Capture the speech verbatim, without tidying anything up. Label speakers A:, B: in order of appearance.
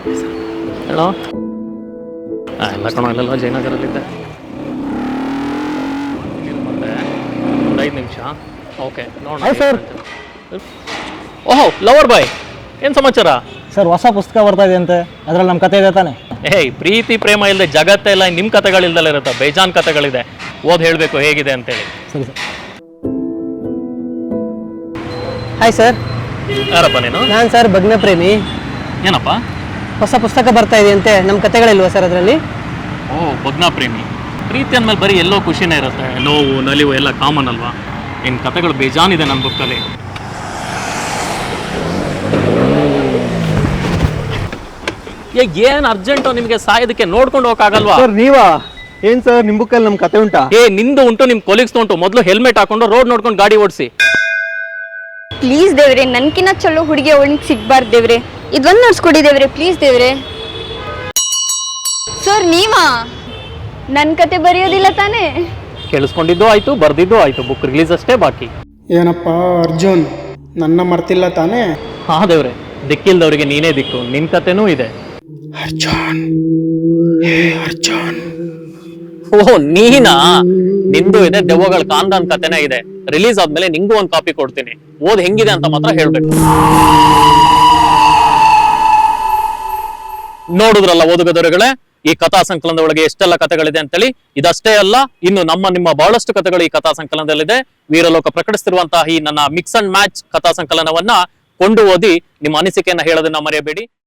A: ಹೇಳೋ ಎಲ್ಲ ಕಣೋ ಇಲ್ಲೆಲ್ಲ ಜಯನಗರಲ್ಲಿದ್ದೆ ಮತ್ತೆ ಒಂದು ಐದು ನಿಮಿಷ ಓಕೆ ನೋಡೋಣ
B: ಸರ್.
A: ಓಹೋ ಲವರ್ ಬಾಯ್ ಏನು ಸಮಾಚಾರ?
B: ಸರ್ ಹೊಸ ಪುಸ್ತಕ ಬರ್ತಾ ಇದೆ ಅಂತೆ, ಅದ್ರಲ್ಲಿ ನಮ್ಮ ಕತೆ ಇದೆ ತಾನೆ?
A: ಏಯ್ ಪ್ರೀತಿ ಪ್ರೇಮ ಇಲ್ಲದೆ ಜಗತ್ತೆಲ್ಲ ನಿಮ್ಮ ಕತೆಗಳಿಲ್ದಲ್ಲ ಇರುತ್ತೆ, ಬೇಜಾನ್ ಕತೆಗಳಿದೆ. ಓದ್ ಹೇಳಬೇಕು ಹೇಗಿದೆ ಅಂತೇಳಿ.
B: ಸರಿ ಸರ್. Hi sir.
A: ಯಾರಪ್ಪ ನೀನು?
B: ನಾನು ಸರ್ ಭಗ್ನ ಪ್ರೇಮಿ.
A: ಏನಪ್ಪ?
B: ಹೊಸ ಪುಸ್ತಕ ಬರ್ತಾ ಇದೆಯಂತೆ, ನಮ್ಮ ಕತೆಗಳಿಲ್ವಾ ಸರ್ ಅದರಲ್ಲಿ?
A: ಓ ಭಗ್ನ ಪ್ರೇಮಿ. ಪ್ರೀತಿ ಅಂದಮೇಲೆ ಬರೀ ಎಲ್ಲೋ ಖುಷಿನೇ ಇರುತ್ತೆ, ನೋವು ನಲಿವು ಎಲ್ಲ ಕಾಮನ್ ಅಲ್ವಾ? ನಿನ್ನ ಕತೆಗಳು ಬೇಜಾನಿದೆ ನನ್ನ ಬುಕ್ಕಲ್ಲಿ. ಏ ಏನು ಅರ್ಜೆಂಟು ನಿಮಗೆ ಸಾಯೋದಕ್ಕೆ? ನೋಡ್ಕೊಂಡು ಹೋಗಕ್ಕಾಗಲ್ವಾ?
C: ಸರ್ ನೀವಾ? ಏನ್ ಸರ್ ನಿಮ್ ಬುಕ್ಕಲ್ಲಿ ನಮ್ ಕತೆ ಉಂಟಾ?
A: ಏ ನಿಂದು ಉಂಟು, ನಿಮ್ ಕೊಲೀಗ್ಸ್ ಉಂಟು. ಮೊದಲು ಹೆಲ್ಮೆಟ್ ಹಾಕೊಂಡು ರೋಡ್ ನೋಡ್ಕೊಂಡು ಗಾಡಿ ಓಡಿಸಿ.
D: ಪ್ಲೀಸ್ ದೇವ್ರೆ, ನನ್ಕಿನ್ನ ಚಲೋ ಹುಡುಗಿ ಅವಳಿಗೆ ಸಿಗ್ಬಾರ್ದು ದೇವ್ರೆ. ಇದೊಂದು ನಡ್ಸ್ಕೊಡಿ ದೇವ್ರೆ, ಪ್ಲೀಸ್ ದೇವ್ರೆ. ಸರ್ ನೀವಾ? ನನ್ನ ಕತೆ ಬರೆಯೋದಿಲ್ಲ ತಾನೇ?
A: ಕೇಳಿಸ್ಕೊಂಡಿದ್ದು ಆಯ್ತು, ಬರ್ದಿದ್ದು ಆಯ್ತು, ಬುಕ್ ರಿಲೀಸ್ ಅಷ್ಟೇ ಬಾಕಿ.
C: ಏನಪ್ಪ ಅರ್ಜುನ್, ನನ್ನ ಮರ್ತಿಲ್ಲ ತಾನೇ?
A: ಹಾ ದೇವ್ರೆ, ದಿಕ್ಕಿಲ್ದವ್ರಿಗೆ ನೀನೇ ದಿಕ್ಕು, ನಿನ್ ಕತೆನೂ ಇದೆ.
C: ಅರ್ಜುನ್, ಹೇ ಅರ್ಜುನ್.
A: ಓಹ್ ನೀನಾ? ನಿಂದು ಇದೆ, ದೆವ್ವಗಳ ಕಾಂದಾನ್ ಕತೆನೇ ಇದೆ. ರಿಲೀಸ್ ಆದ್ಮೇಲೆ ನಿಂಗೂ ಒಂದು ಕಾಪಿ ಕೊಡ್ತೀನಿ, ಓದ್ ಹೆಂಗಿದೆ ಅಂತ ಮಾತ್ರ ಹೇಳ್ಬೇಕು. ನೋಡುದ್ರಲ್ಲ ಓದುಗದವರುಗಳೇ, ಈ ಕಥಾ ಸಂಕಲನದ ಒಳಗೆ ಎಷ್ಟೆಲ್ಲ ಕಥೆಗಳಿದೆ ಅಂತೇಳಿ. ಇದಷ್ಟೇ ಅಲ್ಲ, ಇನ್ನು ನಮ್ಮ ನಿಮ್ಮ ಬಹಳಷ್ಟು ಕಥೆಗಳು ಈ ಕಥಾ ಸಂಕಲನದಲ್ಲಿದೆ. ವೀರಲೋಕ ಪ್ರಕಟಿಸ್ತಿರುವಂತಹ ಈ ನನ್ನ ಮಿಕ್ಸ್ ಅಂಡ್ ಮ್ಯಾಚ್ ಕಥಾ ಸಂಕಲನವನ್ನ ಕೊಂಡು ಓದಿ ನಿಮ್ಮ ಅನಿಸಿಕೆಯನ್ನ ಹೇಳೋದನ್ನ ಮರೆಯಬೇಡಿ.